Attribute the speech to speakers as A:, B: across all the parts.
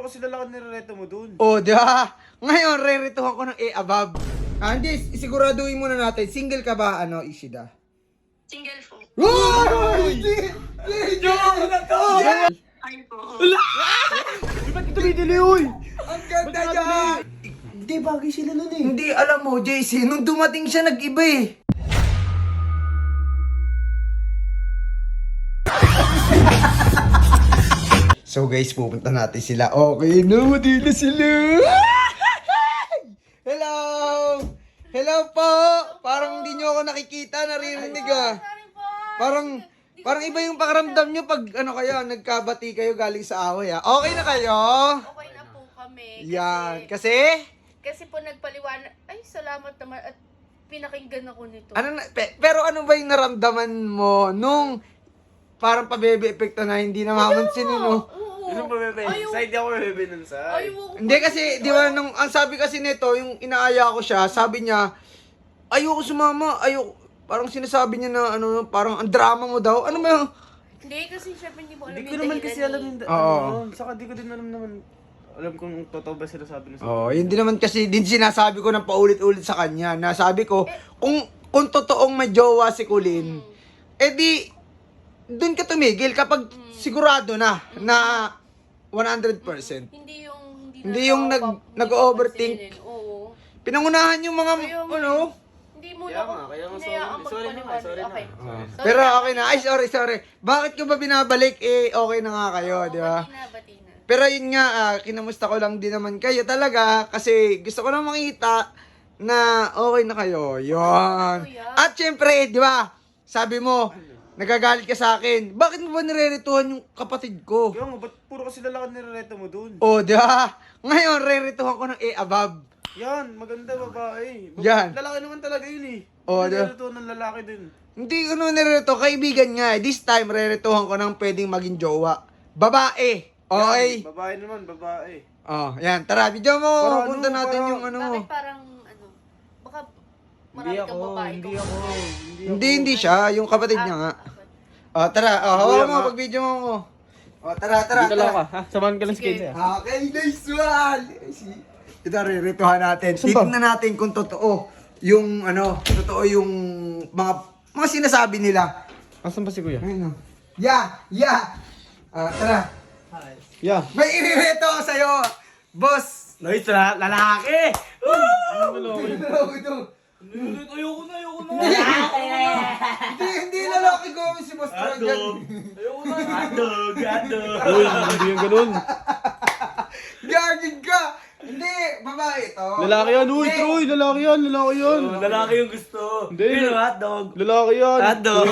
A: kasi lalaki nirereto mo dun.
B: Oh, di ba? Ngayon, rerituhan ko ng above. Hindi, siguraduhin muna natin. Single ka ba, Ishida?
C: Single po.
B: Uy!
A: Joke na to!
C: Ay po.
A: Di ba't tumidili, uy?
B: Ang ganda niya!
A: Hindi, bagay sila nun eh.
B: Hindi, alam mo, JC, nung dumating siya, nag-iba eh. So guys, pupunta natin sila. Okay na, mati na sila. Hello! Hello po! Parang hindi nyo ako nakikita, naririnig ah. Parang iba yung pakiramdam nyo pag kayo, nagkabati kayo galing sa away ah. Okay na kayo?
D: Okay na po kami.
B: Yan. Kasi?
D: Kasi po nagpaliwanag. Ay, salamat naman. At pinakinggan ako nito.
B: Pero ano ba yung naramdaman mo nung parang pabebe epekto na hindi na mamansin no?
D: Oo.
A: Ano ba, bebe? Side di ako bebe nun sa.
D: Ayoko.
B: Hindi kasi, di ba, nung ang sabi kasi nito, yung inaaya ko siya, sabi niya, ayoko sumama, ayoko, parang sinasabi niya na, parang ang drama mo daw. Ano ba yung?
D: Hindi, kasi syempre hindi mo alam
A: Hindi
D: yung
A: ko naman
D: dahilan
A: kasi
D: eh.
A: alam yung
B: Oo.
A: Saka di ko din alam naman. Alam kung totoo ba sila sabi na
B: Oh, yun din naman kasi din sinasabi ko ng paulit-ulit sa kanya. Nasabi ko, kung totoong may jowa si Kulin, di, dun ka tumigil kapag sigurado na 100%. Hindi yung nag-overthink.
D: Oo.
B: Pinangunahan yung mga,
D: Hindi mo
A: Kaya
D: na
A: nga, kaya nga,
D: hinayaang
A: sorry na,
D: magpaliwanag.
A: sorry na.
D: Okay.
B: Pero okay na. Ay, sorry. Bakit ko ba binabalik? Okay na nga kayo, di ba?
D: Bati na.
B: Pero yun nga, kinamusta ko lang din naman kayo talaga kasi gusto ko lang makita na okay na kayo. Yun. At syempre, di ba, sabi mo, nagagalit ka sa akin. Bakit mo ba nirerituhan yung kapatid ko?
A: Kaya nga, ba't puro kasi lalaki nirereto mo dun?
B: Oh, di ba? Ngayon, rerituhan ko ng above.
A: Yan, maganda babae.
B: Yan.
A: Lalaki naman talaga yun eh.
B: Oh,
A: Nirereto ng lalaki din.
B: Hindi ko nirerito, kaibigan nga. This time, rerituhan ko ng pwedeng maging jowa. Babae. Okay?
A: Yan, babae naman, babae.
B: Oh, yan. Tara, video mo.
A: Para
B: Punta natin
A: para-
B: yung
D: Bakit parang baka marami kang babae.
B: Hindi siya. Yung kapatid niya nga. Oh, tara. Oh, hawakan mo pag video mo. Oh, tara.
A: Dito lang ka, ha? Samahan ka lang sa kanya.
B: Okay, nice one. Ito, rirituhan natin. Tignan natin kung totoo yung, totoo yung mga sinasabi nila.
A: Asan ba si kuya?
B: Ayun, Yeah. Tara.
A: Yeah.
B: May iririto ako sa'yo, boss.
A: Nice, lalaki!
E: Ayoko na.
B: Hindi lalaki ko si Boss Trojan.
A: Hotdog!
E: Uy, hindi yung ganun.
B: Gagig ka! Hindi, babae ito.
E: Lalaki yan, uy,
B: Hindi.
E: Troy, lalaki yan.
A: Lalaki yung gusto.
E: Hindi.
A: Pero hotdog.
E: Lalaki yan.
A: Hotdog.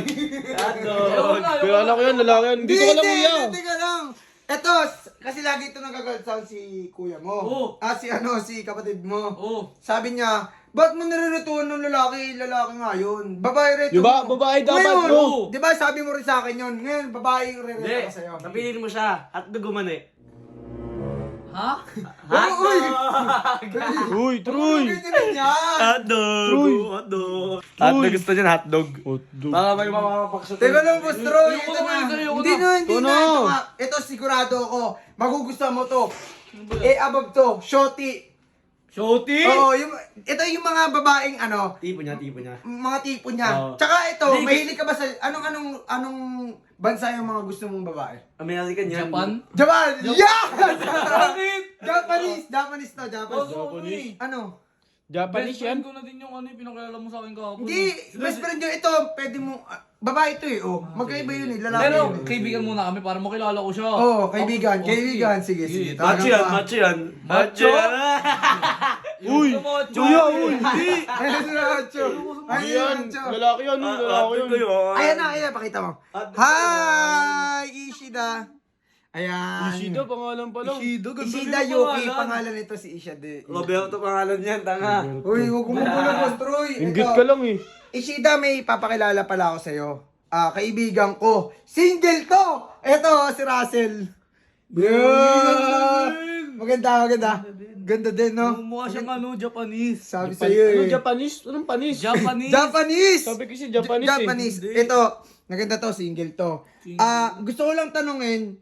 E: Kaya lalaki yan. Dito ka lang, kuya.
B: Hindi ka lang. Eto, kasi lagi ito nagagalaw si kuya mo.
E: Oo.
B: Si kapatid mo.
E: Oo.
B: Sabi niya, ba't mo nirerituhan ng lalaki? Lalaki nga yun. Babae reto
E: Di ba?
B: mo.
E: Babae dapat,
B: Ngayon,
E: bro.
B: Di ba sabi mo rin sa akin yun? Ngayon, babae yung
A: Hindi,
B: re-reto ka sa'yo.
A: napiliin mo siya. Hotdog umani.
E: Ha?
B: Uy!
E: Uy, Troy.
B: Ganyan niya!
A: Hotdog!
E: Troy.
A: Hotdog! Hotdog gusto niya, hotdog.
E: Hotdog.
A: Baka may mapapaksutin.
B: Teka lang, Boss Troy.
E: Ayoko
B: Ito
E: na,
B: na.
E: ayoko
B: Hindi
E: na.
B: na.
E: Ito na.
B: Ito nga. Ito sigurado ako. Magugustuhan mo to. Above to. Shorty.
E: Shorty?
B: Oo, ito yung mga babaeng
A: Tipo niya.
B: mga tipo niya.
A: Oo.
B: Tsaka ito,
A: Hindi,
B: mahilig ka ba sa anong bansa yung mga gusto mong babae?
A: American yan.
B: Japan! Yeah!
E: Bakit?
B: Japanese to, Japanese. Ano?
E: Japanese yan? Ko na din yung pinakilala mo sa akin kahapon.
B: Hindi, best friend nyo ito, pwede mo, babae ito eh, magkaiba yun eh, lalaki
E: Pero,
B: yun eh.
E: kaibigan muna kami para makilala ko siya.
B: Oo, kaibigan, sige.
A: Macho yan, macho yan.
E: Macho? Uy! Kuya, uy! Hindi!
B: Ayun si Macho.
E: Hindi yan! Lalaki yan, lalaki yan.
B: Ayan na, pakita mo. Hi, Ishida. Ayan.
E: Ishida, pangalan pa lang.
B: Ishida Yuki, pangalan nito si Ishida.
A: Roberto pangalan niyan, tanga.
B: Uy, huwag mo Boss Troy.
E: Inggit ka lang eh.
B: Ishida, may papakilala pala ako sa'yo. Kaibigan ko. Single to! Eto, si Russell. Yeah! Maganda. Ganda din, no?
E: Mukha siyang Japanese.
B: Sabi sa'yo eh.
E: Japanese? Anong panis? Japanese.
B: Japanese!
E: Sabi kasi Japanese eh.
B: Japanese. Ito, maganda to, single to. Gusto ko lang tanungin,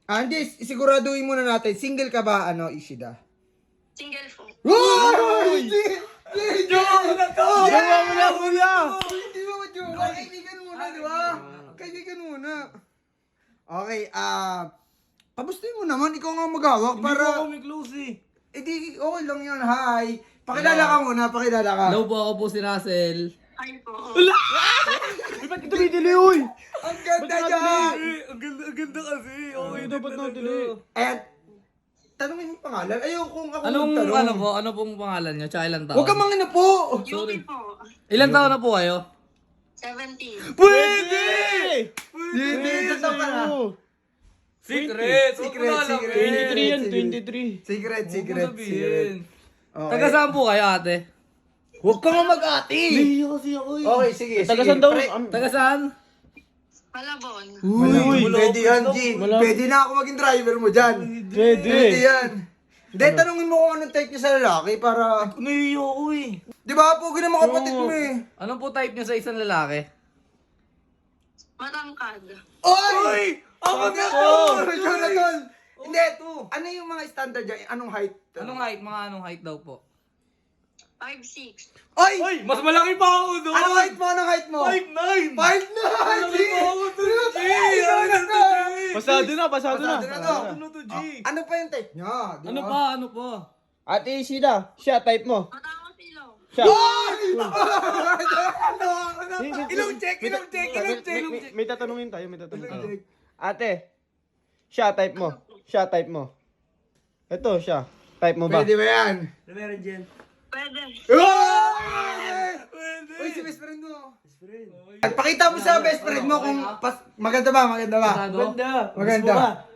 B: Hindi, siguraduhin muna natin. Single ka ba, Ishida?
C: Single po.
B: Uy! Jowa mo na to!
A: Jowa mo na, kuya!
B: Hindi mo jowa. Kaibigan muna, di ba? Kaibigan muna. Okay, pabustuhin mo naman. Ikaw nga maghawak
E: Para...
B: para...
E: kami close eh.
B: di, okay lang yun. Hi. Pakilala ka muna, pakilala ka.
E: Hello po, ako po si Russell.
C: Hi po.
A: Ba't ito may dili, uy?
B: Ang ganda dyan!
E: Ang ganda kasi. Okay, dapat natili.
B: Ayan. Tanungin mo yung pangalan. Ayun, kung ako
E: Anong,
B: magtanong.
E: ano pong pangalan niyo? Tsaka ilang taon?
B: Huwag ka mangina po!
C: Yuki po.
E: Ilang taon na po kayo?
C: 17.
E: Pwede!
B: Hindi, totoo ka na.
E: Secret!
B: Secret.
A: 23 yan, 23.
B: Secret. Okay.
E: Taga saan po kayo, ate?
B: Huwag ka nga mag-ati!
A: Nahiya kasi ako eh.
B: Okay, sige.
A: Tagasan daw.
E: Taga saan?
C: Malabon.
B: Uy, pwede yan, G. Pwede na ako maging driver mo dyan. Pwede yan. Hindi, tanungin mo kung anong type niya sa lalaki para...
A: Nahiya ako eh.
B: Di ba, pogi na mga kapatid mo eh.
E: Anong po type niyo sa isang lalaki?
C: Matangkad.
B: Oy! Ako na to!
A: Sakto!
B: Jonathan! Hindi, ano yung mga standard dyan? Anong height?
E: Anong height? Mga anong height daw po?
C: 5'6".
B: Oy!
E: Mas malaki pa ako doon!
B: Anong height mo? Anong height mo?
E: 5'9".
B: 5'9!
A: Pasado na, pasado na.
B: Pasado na to. Ano pa yung type niya? Di
E: Ano
B: ba?
E: pa? Ano pa?
A: Ate Ishida, siya, type mo.
C: Matangos ilaw.
A: Siya.
B: Ilong check!
A: May tatanungin tayo. Ate, siya, type mo. Siya, type mo. Ito, siya. Type mo ba?
B: Pwede ba yan?
C: Pwede.
B: Uy, si best friend mo. Pakita mo sa best friend mo kung maganda ba?
E: Pasado?
B: Maganda.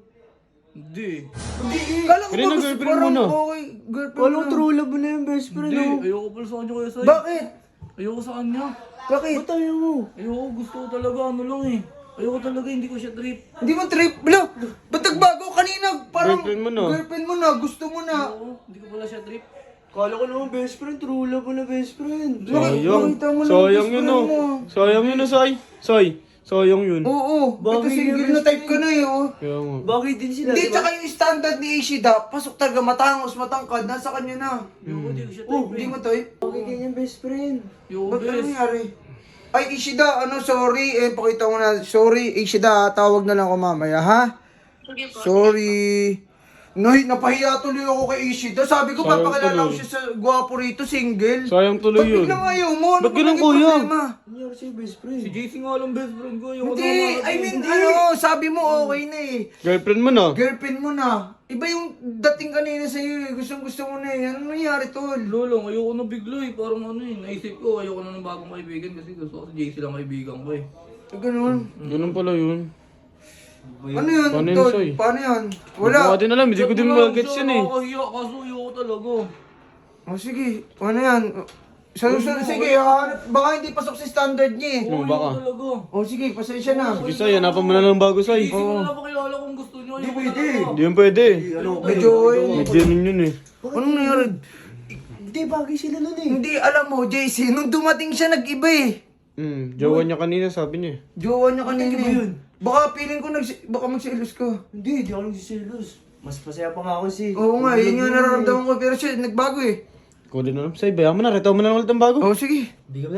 E: Hindi.
B: Kala ko
A: Pero
B: ba
A: na
B: gusto
A: girlfriend mo
B: parang
A: na.
B: okay, girlpriend mo na.
A: true love na yung best friend.
E: Hindi. Ayoko pala sa kanya kuya Sai.
B: Bakit?
E: Ayoko sa kanya.
B: Bakit?
A: Ba't ayaw mo?
E: Ayoko. Gusto ko talaga. Ano lang eh. Ayoko talaga. Hindi ko siya trip.
B: Hindi mo trip. Bro, ba't nagbago kanina? Parang
A: Girlfriend mo na.
B: Girlfriend mo na, gusto mo na.
E: Oo. Hindi ko pala siya trip.
A: Kala ko naman best friend, true love mo na best friend.
B: Nakita mo lang
F: Sayang
B: best
F: yun
B: friend
F: oh.
B: mo.
F: Sayang yun oh, Sai. Sai, sayang yun.
B: Oo, ito
A: Bakit
B: single
A: yung
B: na type ka na eh. Oh.
F: Kaya nga.
A: Bakit din sila?
B: Hindi, tsaka yung standard ni Ishida, pasok talaga matangos, matangkad, nasa kanya na.
E: Ayoko. Hindi ko siya trip.
B: Oh, hindi mo type?
A: Bakit ganyan best friend?
E: Ayoko
B: Ba't ano
E: bes.
B: nangyari? Ay, Ishida, sorry, pakita mo na, sorry, Ishida, tawag na lang ako mamaya, ha?
C: Sige po.
B: Sorry. Napahiya tuloy ako kay Ishida. Sabi ko,
F: Sayang
B: papakilala ko
F: tuloy.
B: siya sa gwapo rito, single.
F: Sayang tuloy
B: Ba't
F: yun.
B: biglang ayaw mo? Ano
F: Ba't
B: ba
F: ganun,
B: naging
F: kuya?
B: problema?
A: Nangyari sa'yo best friend?
E: Si JC nga lang best friend ko. Ayoko
B: Hindi, I mean, sabi mo okay na eh.
F: Girlfriend mo na.
B: Girlfriend mo na. Iba yung dating kanina sa'yo eh. Gustong gusto mo na eh. Ano nangyari tol?
E: Lolo, ayoko na bigla eh. Parang ano eh. Naisip ko, ayoko na ng bagong kaibigan kasi gusto ko si JC lang kaibigan ko eh.
B: Ganun.
F: Ganun pala yun.
B: Ano yun,
F: Paano yun,
B: tol?
F: Soy?
B: Paano yun?
F: Wala.
B: Wala.
F: Hindi ko din alam, hindi ko din mag-gets yun eh.
E: Nakakahiya kaso ayoko talaga.
B: O sige, ano yan? Sige, baka hindi pasok sa standard niya eh.
F: Hmm, baka.
E: Ayoko talaga.
B: O sige, pasensya na.
F: Sige, Sai, hanapan mo na ng bago, Sai.
E: JC ko na pakilala kung gusto nyo.
B: Hindi
E: Ayoko
B: pwede.
E: talaga.
F: Hindi yun pwede.
B: Medyo
F: Medyo yun eh.
B: Anong nangyari?
A: Hindi, bagay sila nun eh.
B: Hindi, alam mo, JC, nung dumating siya, nag-iba eh.
F: Jowa niya kanina, sabi niya eh.
B: Jowa niya kanina
A: Nag-iba
B: eh.
A: yun?
B: Baka feeling ko, baka magsilos ka.
A: Hindi, di ako nagsisilos. Mas pasaya pa nga ako si...
B: Oo nga, yun yung nararamdaman ko. Pero siya, nagbago eh.
F: Ikaw din alam, Sai, bayan mo na, retaw mo na lang ulit ang bago.
B: O sige.
A: Hindi ka